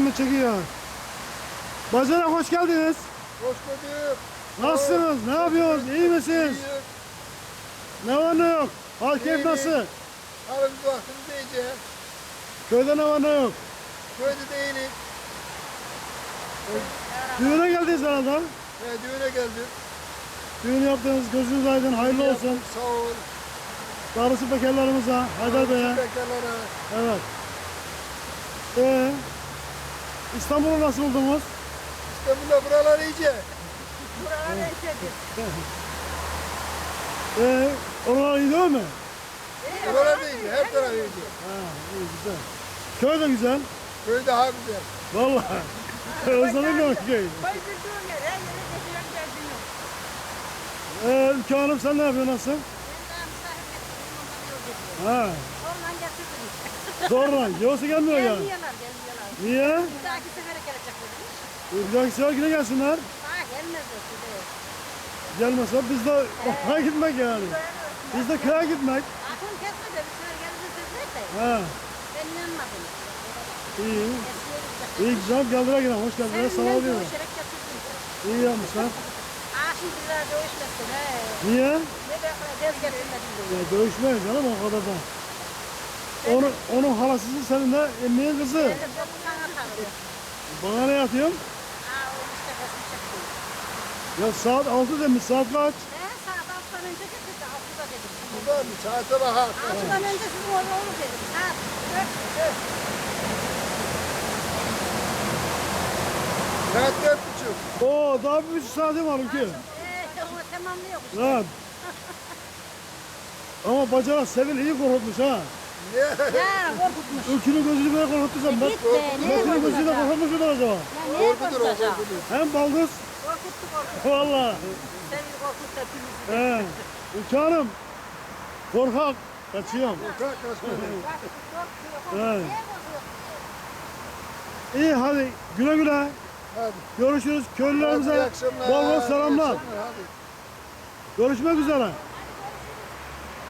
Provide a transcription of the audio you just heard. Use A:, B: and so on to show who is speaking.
A: beni çekiyor. Bacana hoş geldiniz.
B: Hoş bulduk.
A: Nasılsınız? Ne yapıyorsunuz? İyi misiniz? Ne var ne yok? Hal keyif nasıl?
B: Halimiz vaktimiz iyice.
A: Köyde ne var ne yok?
B: Köyde değiliz.
A: Düğüne geldiniz herhalde.
B: Düğüne geldik.
A: Düğün yaptığınız gözünüz aydın, hayırlı olsun.
B: Sağ ol.
A: Darısı bekarlarımıza, Haydar Bey'e.
B: Bekarlara.
A: Evet. İstanbul'u nasıl buldunuz?
B: İstanbul'da buralar iyice.
C: Buralar eşedir.
A: Oralar iyi değil mi?
B: Buralar da iyice. Her taraf iyice.
A: Ha, iyi güzel. Köy de güzel.
B: Köy daha güzel.
A: Vallahi. Özledim ben köyü.
C: Koydurduğum yer, her yere geçiyorum derdim yok.
A: Ülke Hanım sen ne yapıyorsun, nasıl?
C: Ben daha misafir getirdim, ondan yol getirdim.
A: Ha,
C: Oradan getirdim işte.
A: zorla. Yoksa gelmiyor yani.
C: Gelmiyorlar, gelmiyorlar.
A: Niye?
C: Bir dahaki sefere gelecek demiş.
A: Bir dahaki sefer yine gelsinler.
C: Daha gelmezler size.
A: Gelmezse biz de okula gitmek yani. Biz de köye gitmek.
C: Aklım kesmedi, bir sefer gelirse dediler de.
A: Ha,
C: Ben inanmadım.
A: iyi.
C: Eskiye gidecek.
A: İyi güzel geldiler yine. Hoş geldiniz. Sağ
C: Seninle
A: olun.
C: dövüşerek getirdim.
A: İyi yapmışlar.
C: Şimdi bizler dövüşmesin he.
A: Niye?
C: Ne de dez getirmedim diyor.
A: Ya dövüşmeyiz canım o kadar da. Onun halasısı senin de emmiğin kızı.
C: Ben de sana tanıdım.
A: Bana ne atıyorsun?
C: O işte resim çektim.
A: Ya saat 6 demiş. Saat kaç?
C: Saat 6'dan önce getirdi. 6'da dedim.
B: Buradan saate bakar.
C: 6'dan önce sizin orada olur dedim. Saat 4.
B: Saat 4.30.
A: Oo daha bir buçuk saatim var ülke.
C: Onu tamamlıyor.
A: Lan. Ama bacanak Sevil iyi korkutmuş ha.
B: Ne?
C: Ya korkutmuş.
A: Ülkünün gözünü böyle korkuttuysan ben.
C: Git be. Niye
A: Metin'in gözüyle
C: korkutacak?
A: korkutmuş mudur acaba?
C: Ya niye
B: Korkudur o
C: korkutacak?
B: korkudur.
A: Hem baldız.
C: Korkuttu.
A: Valla.
C: Seni korkut hepimizi.
A: Ülke Hanım. Korkak. Kaçıyorum.
B: Kalk kaçma.
A: Evet. İyi hadi güle güle.
B: Hadi.
A: Görüşürüz.
B: Hadi, iyi
A: Köylülerimize
B: akşamlar.
A: bol bol selamlar.
B: İyi akşamlar, hadi.
A: Görüşmek üzere.